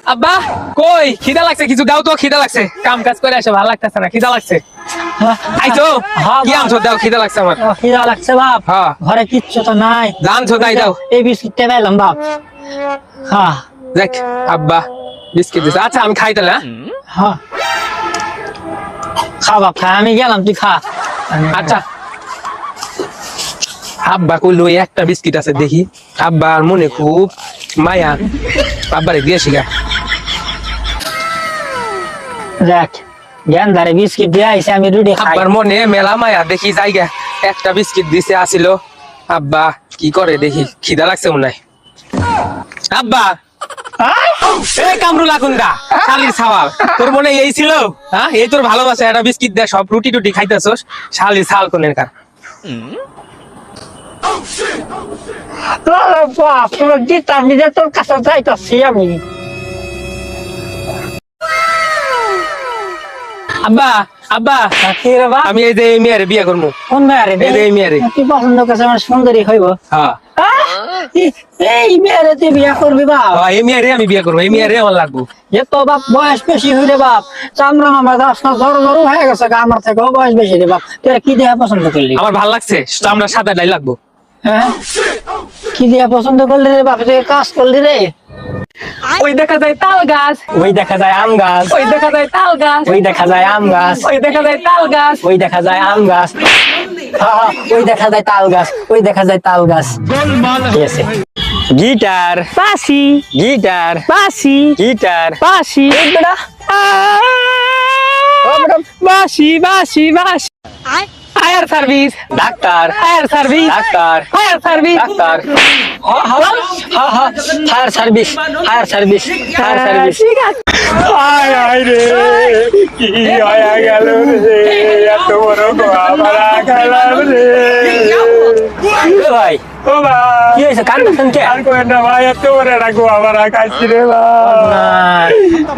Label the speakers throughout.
Speaker 1: আব্বা কই খিদা লাগছে, কিছু দাও তো, খিদা লাগছে, কাম কাজ করে আসে ভালো লাগতেছে না, খিদা লাগছে। আইছো কি আনছো, দাও, খিদা লাগছে আমার।
Speaker 2: খিদা লাগছে বাপ,
Speaker 1: হ্যাঁ
Speaker 2: ঘরে কিচ্ছু তো নাই।
Speaker 1: জানছো তাই দাও,
Speaker 2: এই বিস্কিটটা পেলাম বাপ। হ্যাঁ
Speaker 1: দেখ আব্বা বিস্কিট দিছে, আচ্ছা আমি খাই তাহলে।
Speaker 2: হ্যাঁ খা বাপ খা, আমি গেলাম তুই খা।
Speaker 1: আচ্ছা আব্বা কইলো একটা বিস্কিট আছে, দেখি আব্বার মনে খুব মায়া, আব্বারে দিয়ে শিখা।
Speaker 2: দেখ জ্ঞান ধারে বিস্কিট দিয়ে আইসে, আমি রুটি খাই।
Speaker 1: আব্বার মনে মেলা মায়া, দেখি জায়গা একটা বিস্কিট দিছে আসিল, আব্বা কি করে দেখি, খিদা লাগছে মনে হয়। আব্বা এই কামরুল আকুন্দা শালির ছাওয়াল, তোর মনে এই ছিল? হ্যাঁ এই তোর ভালোবাসা, একটা বিস্কিট দে, সব রুটি টুটি খাইতেছস, শালির ছাল কোনের কার।
Speaker 2: বাপ তোর দিতাম নিজে, তোর কাছে যাইতাছি আমি।
Speaker 1: আব্বা আব্বা
Speaker 2: কি রে বাপ?
Speaker 1: আমি এই যে এই মেয়েরে বিয়ে করবো।
Speaker 2: কোন মেয়ারে?
Speaker 1: এই যে এই মেয়েরে।
Speaker 2: তুই পছন্দ করছে আমার সুন্দরী হইব?
Speaker 1: হ্যাঁ
Speaker 2: এই মেয়ারে তুই বিয়া করবি বাপ?
Speaker 1: এই মেয়েরে আমি বিয়ে করবো, এই মেয়েরে আমার লাগবো।
Speaker 2: এ তো বাপ বয়স বেশি হইলে বাপ, চামড়া আমার জ্বর জ্বর হয়ে গেছে, আমার থেকেও বয়স বেশি রে বাপ। তুই কি দেয়া পছন্দ করলি?
Speaker 1: আমার ভাল লাগছে, আমরা সাদা ডাই লাগবো।
Speaker 2: হ্যাঁ কি দেয়া পছন্দ করলি রে বাপ? তুই কাজ করলি রে?
Speaker 1: ওই দেখা যায় তাল গাছ,
Speaker 2: ওই দেখা যায় আম গাছ,
Speaker 1: ওই দেখা যায় তাল গাছ,
Speaker 2: ওই দেখা যায় আম গাছ,
Speaker 1: ওই দেখা যায় তাল গাছ,
Speaker 2: ওই দেখা যায় আম গাছ, ওই দেখা যায় তাল গাছ, ওই দেখা যায় তাল গাছ। ঠিক আছে। গিটার
Speaker 1: বাসি
Speaker 2: গিটার
Speaker 1: বাসি
Speaker 2: গিটার
Speaker 1: বাসি
Speaker 2: বেটা
Speaker 1: বাসি বাসি বাসি। Fire service,
Speaker 2: doctor
Speaker 1: fire service,
Speaker 2: doctor
Speaker 1: fire service,
Speaker 2: doctor fire service fire service fire service.
Speaker 1: ঠিক আছে।
Speaker 2: আয় আয় রে কি হয়ে গেল রে, এত বড় গোয়ামারা খেলাম রে। এ ভাই
Speaker 3: ও ভাই
Speaker 2: কি হয়েছে, কান্দছেন কে?
Speaker 3: আর কোন না ভাই, এত বড় একটা গোয়ামারা খাইছি রে ভাই।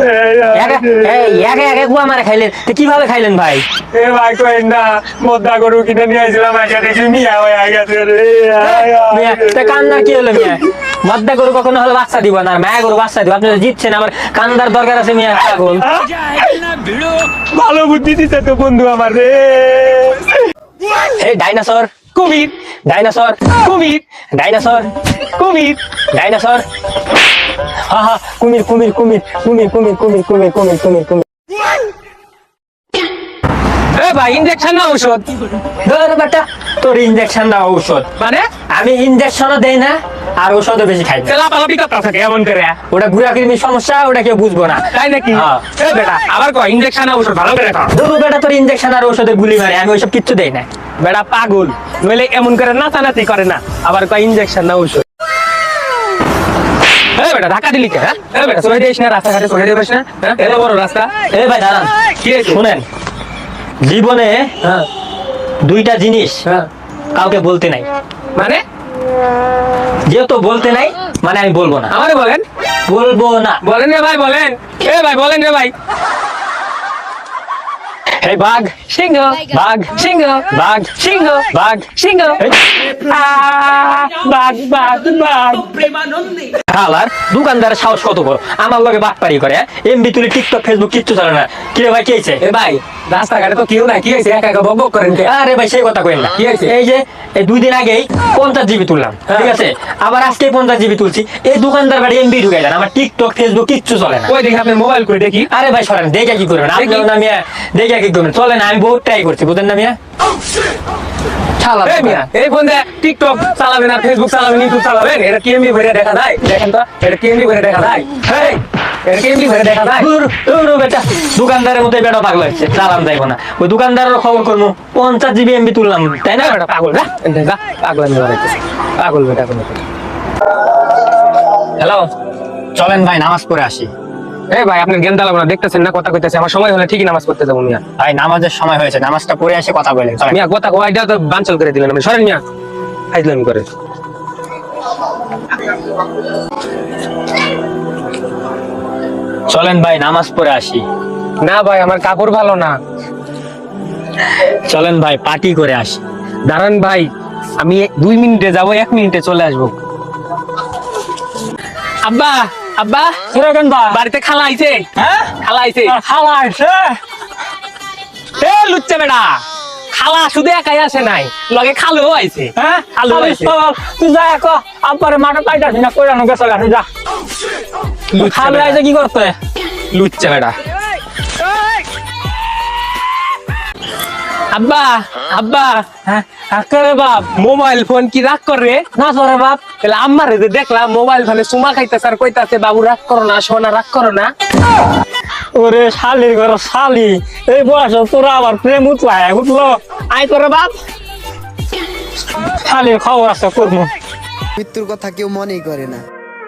Speaker 2: একে একে গুয়া মারা খাইলেন? তো কিভাবে খাইলেন ভাই?
Speaker 3: এ ভাই কোন না, মোদ্দা গরু কিনে নিয়ে আসলাম, আগে দেখি মিয়া হয়ে গেছে রে।
Speaker 2: মিয়া, তা কান্নার কি হলো মিয়া? মদ্দা গরু কখনো হলে বাচ্চা দিব না, আর মায়া গরু বাচ্চা দিব। আপনি তো জিতছেন, আমার কান্দার দরকার আছে মিয়া। পাগল।
Speaker 3: ভালো বুদ্ধি দিতে তো বন্ধু আমার রে।
Speaker 2: এই ডাইনোসর
Speaker 1: কুমির,
Speaker 2: ডাইনোসর
Speaker 1: কুমির,
Speaker 2: ডাইনোসর
Speaker 1: কুমির,
Speaker 2: ডাইনোসর হা হা কুমির কুমির কুমির কুমির কুমির কুমির কুমির কুমির কুমির কুমির।
Speaker 1: এ ভাই ইনজেকশন না ঔষধ?
Speaker 2: ধর বেটা, তোর ইনজেকশন না ঔষধ?
Speaker 1: মানে
Speaker 2: আমি ইনজেকশনও দেই না, আর ঔষধও বেশি খাই না।
Speaker 1: লাপালাপি কথা থাকে এমন করে,
Speaker 2: ওটা ঘুরা কৃমির সমস্যা, ওটা কেউ বুঝবো না।
Speaker 1: তাই নাকি?
Speaker 2: হ্যাঁ।
Speaker 1: এ বেটা আবার কয় ইনজেকশন না ঔষধ, ভালো করে খাও।
Speaker 2: ধরু বেটা, তোর ইনজেকশন আর ঔষধে গুলি মারে, আমি ওইসব কিচ্ছু দেই না।
Speaker 1: বেটা পাগল, নইলে এমন করে নাচানাচি করে না, আবার কয় ইনজেকশন না ঔষধ। এ বেটা ধাক্কা দিলি কে? এ বেটা সরে দিস না, রাস্তাঘাটে সরে দিস না, এত বড় রাস্তা।
Speaker 2: এই ভাই দাঁড়ান,
Speaker 1: কি হয়েছে?
Speaker 2: শুনেন, জীবনে
Speaker 1: হ্যাঁ
Speaker 2: দুইটা জিনিস
Speaker 1: হ্যাঁ
Speaker 2: কাউকে বলতে নাই।
Speaker 1: মানে?
Speaker 2: যেহেতু বলতে নাই, মানে আমি বলবো না।
Speaker 1: আমারে বলেন,
Speaker 2: বলবো না।
Speaker 1: বলেন রে ভাই, বলেন। এ ভাই বলেন রে ভাই।
Speaker 2: এই বাঘ
Speaker 1: সিংহ,
Speaker 2: বাঘ
Speaker 1: সিংহ,
Speaker 2: বাঘ
Speaker 1: সিংহ,
Speaker 2: বাঘ
Speaker 1: সিংহ।
Speaker 2: এই,
Speaker 1: বাঘ বাঘ বাঘ।
Speaker 2: হালার দোকানদারের সাহস কত বড়, আমার লগে বাটপারি করে। এমবি তুলি, টিকটক, ফেসবুক কিচ্ছু চলে না। কি রে ভাই, কি হয়েছে?
Speaker 1: এ ভাই রাস্তাঘাটে তো কেউ নাই, কি হয়েছে? একা একা বক বক করেন কে?
Speaker 2: আরে ভাই সেই কথা কইেন না।
Speaker 1: কি হয়েছে?
Speaker 2: এই যে এই 2 দিন আগেই 50 জিবি তুললাম, ঠিক আছে? আবার আজকে 50 জিবি তুলছি। এই দোকানদার বাড়ি এমবি ঢুকে দেন, আমার টিকটক ফেসবুক কিচ্ছু চলে না।
Speaker 1: ওই দেখি আপনার মোবাইল করে দেখি।
Speaker 2: আরে ভাই সরেন, দেখে কি করবেন আপনি? না মিয়া, দেখে কি করবেন? চলে না, আমি বহুত ট্রাই করছি, বুঝেন না মিয়া। ছালা
Speaker 1: এই মিয়া, এই ফোন দিয়ে টিকটক চালাবেন আর ফেসবুক চালাবেন, ইউটিউব চালাবেন, এটা কি এমবি ভরে দেখা যায়? দেখেন তো, এটা কি এমবি ভরে দেখা যায়? হেই, এটা কি এমবি ভরে দেখা যায়?
Speaker 2: বেটা, দোকানদারের মতো বেটা পাগল হচ্ছে, চালান যাইব না। ওই দোকানদারের খবর করবো, 50 জিবি এমবি তুললাম, তাই না?
Speaker 1: না বেটা পাগল, যা এনতে যা, পাগল আমি বানাইতেছি, পাগল বেটা কোনো। হ্যালো,
Speaker 2: চলেন ভাই নামাজ পড়ে আসি।
Speaker 1: এই ভাই আপনার জ্ঞান দালাবো না, দেখতেছেন না কথা কইতেছে, আমার সময় হলে ঠিকই নামাজ পড়তে যাবো মিয়া।
Speaker 2: ভাই নামাজের সময় হয়েছে, নামাজটা পড়ে এসে কথা বলেন। চলেন।
Speaker 1: মিয়া কথা কয়টা তো বানচাল করে দিলেন আপনি, সরেন মিয়া, ফাইজলামি করে।
Speaker 2: চলেন ভাই নামাজ পড়ে আসি।
Speaker 1: না ভাই আমার কাপড় ভালো না।
Speaker 2: চলেন ভাই পার্টি করে আসি।
Speaker 1: দাঁড়ান ভাই, আমি 2 মিনিটে যাবো, 1 মিনিটে চলে আসবো। আব্বা আব্বা
Speaker 3: তোরা কেন বা
Speaker 1: বাড়িতে খালা আইছে
Speaker 3: হ্যাঁ
Speaker 1: খালা আইছে
Speaker 3: খালা আছে
Speaker 1: এ লুচ্চা বেটা খালা শুধু একাই আসে নাই লগে খালুও আইছে
Speaker 3: হ্যাঁ
Speaker 1: খালু আইছে
Speaker 3: তুই যা এক আব্বারে মাঠে পাইতাছি না কইরানো গেছে গাছে যা খালে আইছে কি করতে
Speaker 1: লুচ্চা বেটা আব্বা আব্বা
Speaker 3: হ্যাঁ করে বাপ
Speaker 1: মোবাইল ফোন কি রাগ করে
Speaker 3: না তোরে বাপ
Speaker 1: তাহলে আম্মারে যে দেখলাম মোবাইল ফোনে চুমা খাইতেছে আর কইতাছে বাবু রাগ করো না সোনা রাগ করো না
Speaker 3: ওরে শালির ঘর শালি এই বয়স তোরা আবার প্রেম উঠলো আই করে বাপ শালির খবর আছে করবো
Speaker 4: মৃত্যুর কথা কেউ মনেই করে না।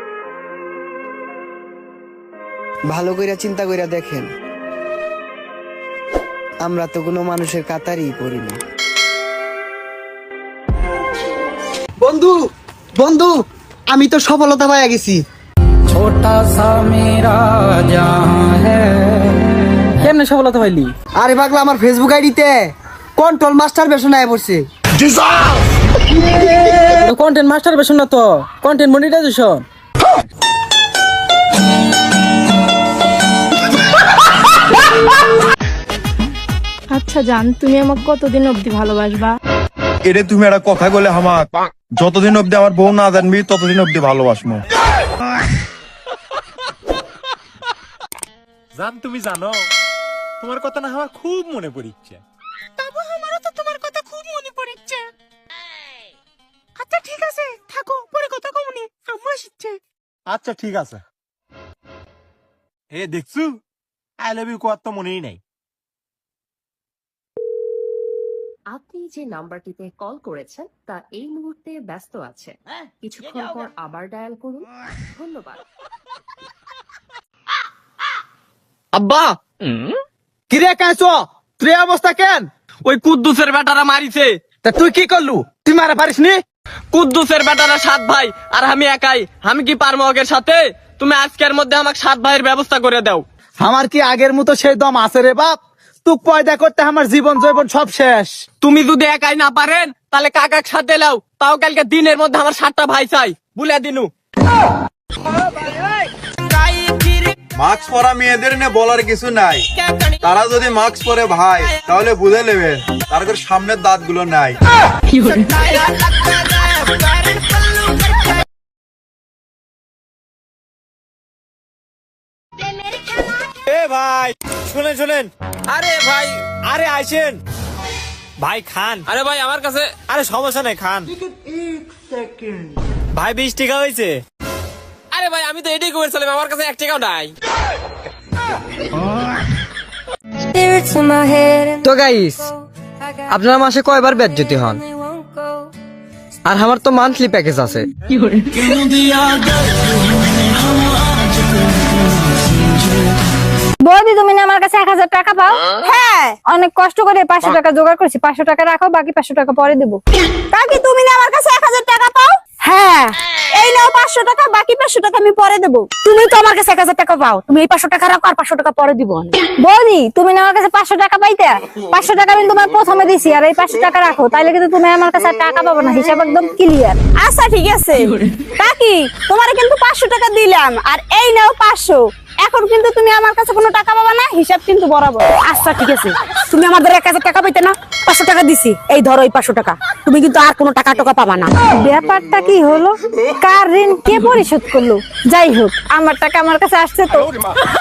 Speaker 4: ভালো কইরা চিন্তা কইরা দেখেন, আমরা তো কোনো মানুষের কাতারই পড়ি না। বন্ধু বন্ধু আমি তো সফলতা পাইয়া গেছি।
Speaker 5: কেমনে সফলতা পাইলি?
Speaker 4: আরে পাগলা, আমার ফেসবুক আইডিতে কন্ট্রোল মাস্টার বেশন আয় পড়ছে।
Speaker 5: কন্টেন্ট মাস্টার বেশন না তো, কন্টেন্ট মনিটাইজেশন।
Speaker 6: আচ্ছা জান, তুমি আমাকে কতদিন অবধি ভালোবাসবা?
Speaker 7: এটা তুমি একটা কথা বলে আমার যতদিন অব্দি আমার বউ না জানবি ততদিন অব্দি ভালোবাসবো।
Speaker 2: জান তুমি জানো তোমার কথা না আমার খুব মনে পড়ছে।
Speaker 6: বাবু, আমারও তো তোমার কথা খুব মনে পড়ছে। আচ্ছা ঠিক আছে, থাকো, পরে কথা কমনি, আম্মা আসছে।
Speaker 2: আচ্ছা ঠিক আছে। এ দেখছু আই লাভ ইউ কোয়ার তো মনেই নাই।
Speaker 8: আপনি যে নাম্বারটিতে কল করেছেন তা এই মুহূর্তে ব্যস্ত আছে, কিছুক্ষণ পর আবার ডায়াল করুন। ধন্যবাদ।
Speaker 5: আব্বা
Speaker 4: কিরে কাঁচ তুই অবস্থা কেন?
Speaker 5: ওই কুদ্দুসের বেটারা মারিছে।
Speaker 4: তা তুই কি করলু? তুই মারা পারিস নি?
Speaker 5: কুদ্দুসের বেটারা 7 ভাই আর আমি একাই। আমি কি পারবো ওদের সাথে? তুমি আজকের মধ্যে আমাকে 7 ভাইয়ের ব্যবস্থা করে দাও।
Speaker 4: আমার কি আগের মতো সেই দম আছে রে বাপ? তুই পয়দা করতে আমার জীবন জৈবন সব শেষ।
Speaker 5: তুমি যদি একাই না পারেন তাহলে কাকার সাথে লাও, তাও কালকে দিনের মধ্যে আমার 7টা ভাই চাই, বলে দিনু।
Speaker 7: মাস্ক পরা মেয়েদের নিয়ে বলার কিছু নাই, তারা যদি মাস্ক পরে ভাই তাহলে বুঝে নেবে তার সামনের দাঁত গুলো নাই।
Speaker 2: এ ভাই শুনেন শুনেন,
Speaker 5: আরে ভাই,
Speaker 2: আরে আইসেন ভাই খান।
Speaker 5: আরে ভাই আমার কাছে,
Speaker 2: আরে সমস্যা নেই খান। ভাই 20 টাকা হয়েছে।
Speaker 5: আরে ভাই আমি তো এটাই করেছিলাম, আমার কাছে 1 টাকাও নাই।
Speaker 9: তো গাইস, আপনারা মাসে কয়বার বেজ্জতি হন? আর আমার তো মান্থলি প্যাকেজ আছে।
Speaker 6: বৌদি, তুমি না আমার কাছে 1000 টাকা পাও? হ্যাঁ, অনেক কষ্ট করে 500 টাকা জোগাড় করেছি। 500 টাকা রাখো, বাকি 500 টাকা পরে দেবো। কাকি, তুমি না আমার কাছে 1000 টাকা পাও? হ্যাঁ, এই নাও 500 টাকা, বাকি 500 টাকা আমি পরে দেবো। তুমি তো আমার কাছে 1000 টাকা পাও, তুমি এই 500 টাকা রাখো আর 500 টাকা পরে দিব। বৌদি, তুমি না আমার কাছে 500 টাকা পাইতে? 500 টাকা আমি তোমার প্রথমে দিছি, আর এই 500 টাকা রাখো, তাইলে কিন্তু তুমি আমার কাছে টাকা পাবো না। হিসাব একদম ক্লিয়ার। আচ্ছা ঠিক আছে কাকি, তোমারে কিন্তু 500 টাকা দিলাম, আর এই নাও 500। এখন কিন্তু তুমি আমার কাছে কোনো টাকা পাবা না, হিসাব কিন্তু বরাবর। আচ্ছা ঠিক আছে, তুমি আমাদের 1000 টাকা পাইতে না? 500 টাকা দিছি, এই ধরো এই 500 টাকা। তুমি কিন্তু আর কোনো টাকা পাবা না। ব্যাপারটা কি হলো? কার ঋণ কে পরিশোধ করলো? যাই হোক, আমার টাকা আমার কাছে আসছে তো।